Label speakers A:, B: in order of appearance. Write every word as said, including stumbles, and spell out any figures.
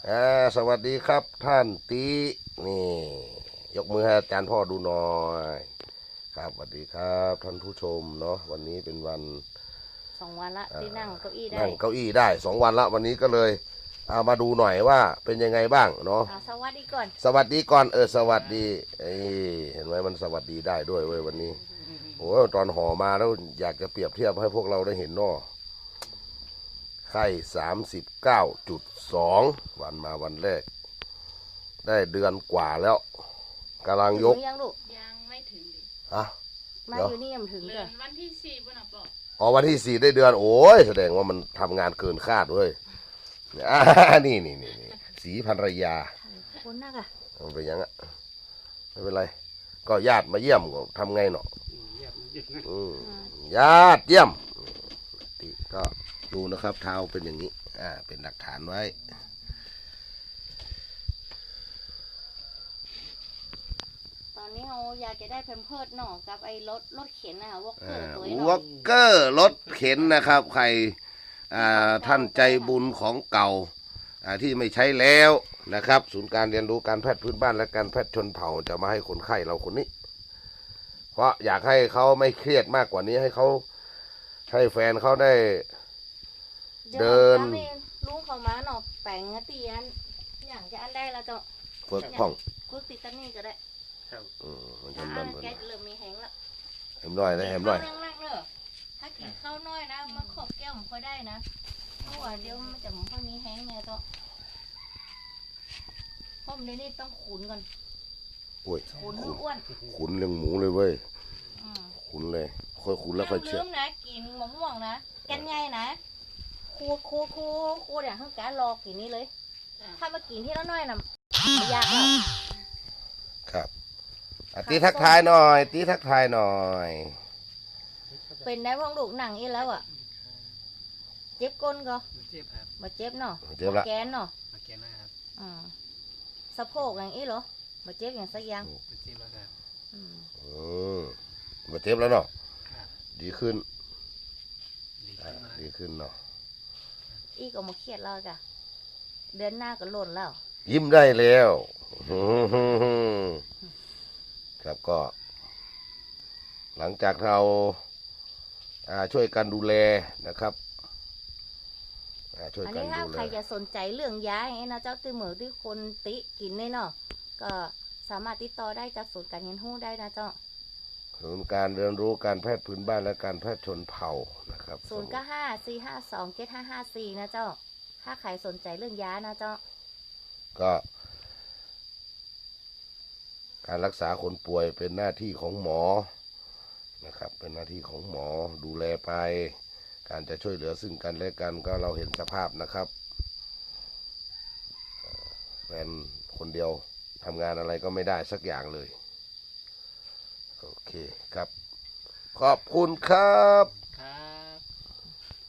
A: อ่าสวัสดีครับท่านตีนี่ยกมือให้อาจารย์พ่อดูหน่อยครับสวัสดีครับท่านผู้ชมเนาะวันนี้เป็นวัน
B: สองวันละที่นั่งเก้าอี้ได้
A: นั่งเก้าอี้ได้สองวันละวันนี้ก็เลยเอามาดูหน่อยว่าเป็นยังไงบ้างเนาะ
B: อ่าสวัสดีก่อน
A: สวัสดีก่อนเออสวัสดีเอ้เห็นไหมมันสวัสดีได้ด้วยเว้ยวันนี้โอ้ตอนห่อมาแล้วอยากจะเปรียบเทียบให้พวกเราได้เห็นเนาะไข่สามสิบเก้าจุดสองวันมาวันแรกได้เดือนกว่าแล้วกำลังยก
B: ถึงยังลูก
C: ยังไม่ถึงดิ
A: อะ
B: มาอยู่นี่ยังไม่ถึง
C: เดื
B: เล
C: อย นวันที่สี่บนอ่ะปอก
A: อ๋อวันที่สี่ได้เดือนโอ้ยแสดงว่ามันทำงานเกินคาดเว้ยอ่านี่นี่นี่นี่สีภรรยา
B: คนนักอะ
A: มันเป็นยังอะไม่เป็นไรก็ญาติมาเยี่ยมก็ทำไงเนาะอืมญาติเยี่ยมที่ก็ดูนะครับเท้าเป็นอย่างนี้อ่าเป็นหลักฐานไว้
B: ตอนนี้เราอยากจะได้แพมเพิร์ดหน่อกับไอ้รถรถเข็นนะคะวอลเกอร์ตัวนี้
A: ว
B: เนาะ
A: อลเกอร์รถเข็นนะครับใครอ่าท่านใจบุญของเก่าอ่าที่ไม่ใช้แล้วนะครับศูนย์การเรียนรู้การแพทย์พื้นบ้านและการแพทย์ชนเผ่าจะมาให้คนไข้เราคนนี้ เพราะอยากให้เขาไม่เครียดมากกว่านี้ให้เขาให้แฟนเขาได้เดิน
B: ลุงเขามาหน่อแปลงเตียนอย่างจะอันได้แล้วเจ้า
A: เฟิกพ่อง
B: คุกติดตันนี่ก็ได้
A: อืมมันจะ
B: อ่า
A: นั่นมัน
B: แกเริ่มมีแห้งแล้ว
A: เห็มหน่อยนะเห็มหน่อย
B: ข้าวแรกๆเนอะถ้ากินข้าวน้อยนะมาขอบแก้วผมค่อยได้นะเพราะว่าเดี๋ยวมันจะมันค่อยมีแห้งเนี่ยเจ้าเพราะมันนี่ต้องขุนก่อน
A: โอ้ย
B: ขุนให้อ้วน
A: ขุนเรื่องหมูเลยเว้ย
B: อืม
A: ขุนเลยค่อยขุนแล้วค่อย
B: ลื
A: เชื่อ
B: มนะกินมะม่วงนะแกนไงนะครูครูครูครูเนี่ยทั้งการรอกินนี้เลย ถ้ามากินที่ละน้อยนะไม่ยากหรอก
A: ครับอ่ะตีทักทายหน่อยตีทักทายหน่อย
B: เป็นได้พ่องลูกหนังอีแล้วอ่ะเจ็บก้นก็
D: เจ็บครับ
B: มาเจ็บเนาะ
A: เจ็บละ
B: แกนเนาะ
D: มาแกนหน้าครับ
B: อืมสะโพกอย่างอีเหรอมาเจ็บอย่างสักอย่าง
D: มาเจ็บแล้วครับ
B: อืม
A: อืมมาเจ็บแล้วเนาะ
D: ครับ
A: ดีขึ้น
D: ดี
A: อ่า
D: ขึ้นมา
A: ดีขึ้นเนาะ
B: อีก็มาเครียดแล้วจ้ะเดือนหน้าก็หล่นแล้ว
A: ยิ้มได้แล้วครับก็ หลังจากเราอ่าช่วยกันดูแลนะครับอ่าช่วย
B: อัน
A: กัน
B: นี้ถ้า
A: ดูแล
B: ใครจะสนใจเรื่องยาอย่างนี้นะเจ้าตื้อเหมือที่คนติกินเนี่ยเนาะก็สามารถติดต่อได้จากศูนย์การเรียนรู้ได้นะเจ้า
A: ศูนย์การเรียนรู้การแพทย์พื้นบ้านและการแพทย์ชนเผ่านะครับ
B: ศูนย์เก้าห้าสี่ห้าสองเจ็ดห้าห้าสี่นะเจ้า ถ้าใครสนใจเรื่องยานะเจ้า
A: ก็ การรักษาคนป่วยเป็นหน้าที่ของหมอนะครับ เป็นหน้าที่ของหมอดูแลไป การจะช่วยเหลือซึ่งกันและกันก็เราเห็นสภาพนะครับแฟนคนเดียวทำงานอะไรก็ไม่ได้สักอย่างเลย โอเคครับ ขอบคุณครับ